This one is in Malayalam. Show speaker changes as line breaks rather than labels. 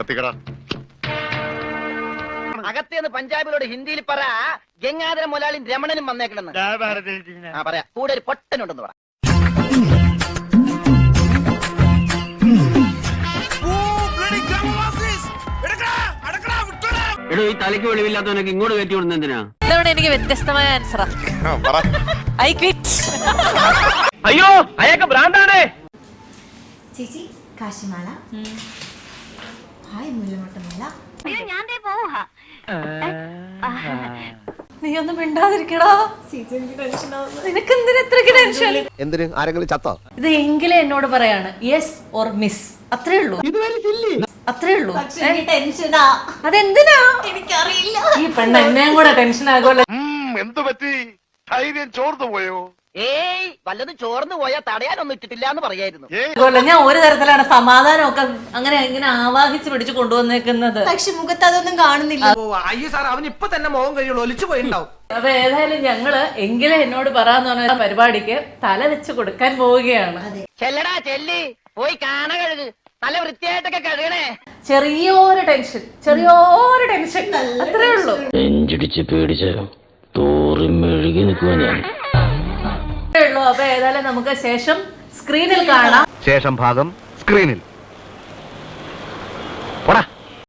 അകത്തേന്ന് പഞ്ചാബിലോട് ഹിന്ദിയിൽ പറ ഗംഗാധര മുതലാളി രമണനും വന്നേക്കണെന്ന് പറയാ. കൂടെ ഒരു പൊട്ടനുണ്ടെന്ന് പറ.
എടോ, ഈ തലയ്ക്ക് വെളിവില്ലാത്തവനൊക്കെ ഇങ്ങോട്ട് കയറ്റി വിടുന്ന എന്തിനാ?
ഇതവണ എനിക്ക് വ്യത്യസ്തമായ ആൻസറാ. I quit.
അയ്യോ അയാൾക്ക് ഭ്രാന്താണ്.
ചേച്ചി കാശിമാല. ഹായ് മുല്ലമൊട്ടമാല.
നീ ഒന്നും മിണ്ടാതിരിക്കടാ. നിനക്ക് എന്തിനാ ഇത്രയ്ക്ക് ടെൻഷൻ?
എന്തിന്? ആരെങ്കിലും ചത്തോ?
ഇത് എങ്കിലും എന്നോട് പറയാണ് യെസ് ഓർ മിസ്, അത്രേ ഉള്ളൂ, അത്രേ ഉള്ളൂ.
ടെൻഷനാ.
അതെന്തിനാ
എനിക്കറിയില്ല.
ഈ പെണ്ണ് എന്നെയും കൂടെ ടെൻഷൻ ആകുമല്ലോ.
എന്തു പറ്റി? ധൈര്യം ചോർന്നു പോയോ?
ഏയ് വല്ലതും ചോർന്നു പോയാൽ തടയാനൊന്നും ഇട്ടിട്ടില്ല എന്ന് പറയായിരുന്നു.
ഞാൻ ഒരു തരത്തിലാണ് സമാധാനമൊക്കെ അങ്ങനെ ഇങ്ങനെ ആവാഹിച്ച് പിടിച്ചു കൊണ്ടുവന്നേക്കുന്നത്.
പക്ഷെ മുഖത്ത് അതൊന്നും കാണുന്നില്ല.
അയ്യോ സാർ, അവൻ ഇപ്പൊ തന്നെ മോഹം കഴിയുള്ളൂ, ഒലിച്ചു പോയിണ്ടാവും.
അപ്പൊ ഏതായാലും ഞങ്ങള് എങ്കിലും എന്നോട് പറയാന്ന് പറഞ്ഞ പരിപാടിക്ക് തല വെച്ച് കൊടുക്കാൻ പോവുകയാണ്.
ചെല്ലടാ ചെല്ലി പോയി കാണ കഴുക്, നല്ല വൃത്തിയായിട്ടൊക്കെ കഴുകണേ.
ചെറിയൊരു ടെൻഷൻ അത്രേ ഉള്ളൂ.
നെഞ്ചിടിച്ച് പേടിച്ച് തോറി മെഴുകി നിൽക്കുക ഞാൻ.
അപ്പൊ ഏതായാലും നമുക്ക് ശേഷം സ്ക്രീനിൽ കാണാം.
ശേഷം ഭാഗം സ്ക്രീനിൽ.